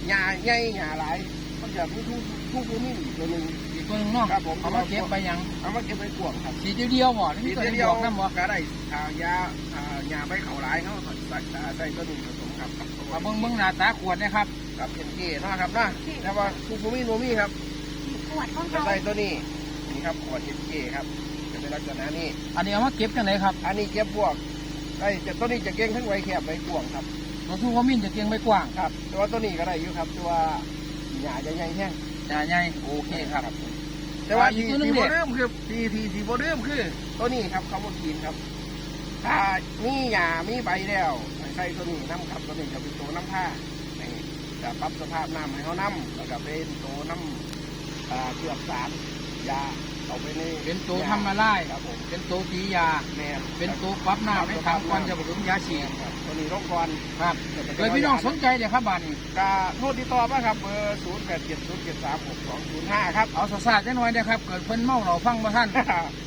หญ้าใหญ่หญ้าหลายมันจะมีทุกนี่ตัวหนึ่งอีกตัวนึงเนาะครับผมเอามาเก็บไปยังเอามาเก็บไปกวงครับสีเดียวบ่นี่ตัวเดียวน้ำบ่ก็ได้หญ้าใบเขาหลายเขาใส่ตัวหนึ่งผสมครับมาเบิ่งหน้าตาขวดนะครับครับเป็นเกศนะครับนะแต่ว่าทุกโนมี่ครับขวดของจะเราใส่ตัวนี้นี่ครับขวดเกครับจะเป็นลักษณะนี้อันนี้เอามาเก็บกันเลยครับอันนี้เก็บบวกได้จะตัวนี้จะเก่งทั้งไวแคบไวกวงครับตัวทูว่ามินจะเกียงไม่กว้างครับตัวนี้ก็ได้อยู่ครับตัวหญ้าใหญ่แห้งใหญ่โอเคครับแต่ว่าที่โบเดิมคือที่โบเดิมคือตัวนี้ครับเขาบอกกินครับถ้ามีหญ้ามีใบแล้วใส่ตัวนี้น้ำครับตัวนี้จะเป็นตัวน้ำผ้าจะปรับสภาพน้ำให้เขาน้ำแล้วก็เป็นตัวน้ำเกลือสารยาเอาไปในเป็นตัวทำมาไล่ครับผมเป็นตัวตียาแม่เป็นตัวปรับน้ำให้ทำก่อนจะผสมยาฉีดตัวนี้ร่องกรครับเลยพี่น้องสนใจเดี๋ยวครับบ้านนี้ก็โทษติดต่อมาครับเบอร์0870736205ครับเอาสาดจะหน่อยนะครับเกิดเพิ่นเมาเราฟังมาท่าน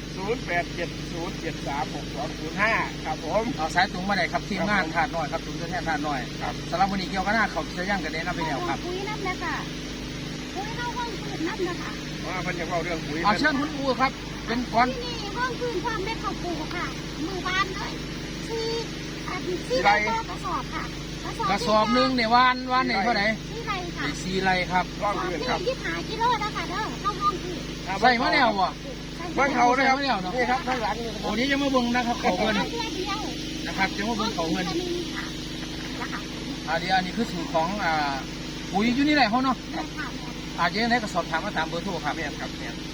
0870736205ครับผมเอาสายตรงมาไหนครับทีมงานถาดหน่อยครับถุงแทนถาดหน่อยครับสำหรับวันนี้เกี่ยวกับหน้าเขาจะย่างกันได้นะพี่แนวครับปุ๋ยน้ำนะคะปุ๋ยเข้าห้องพื้นน้ำนะคะว่าเพิ่นจะเล่าเรื่องปุ๋ยเอาเชิญคุณอูครับเป็นก้อนนี่ห้องพื้นความเม็ดข้าวปูค่ะมือบานเลย4ใบกระสอบค่ะกระสอบนึงเนี่ยวานเนี่ยเท่าไหร่ 4 ไรค่ะ 4 ไรครับร่องพื้นครับ 25 กิโลนะคะเด้อเข้าห้องพื้นใส่มะนาววะเบิ้งเขาเลยครับนี่ครับข้างหลังโอ้นี้จะมาเบิ้งนะครับเขาเงินนะครับจะมาเบิ้งเขาเงินเดี๋ยวอันนี้คือสูตรของปุ๋ยอยู่นี่แหละเขาเนาะอาจจะได้กระสอบถามมาตามเบอร์โทรครับครับ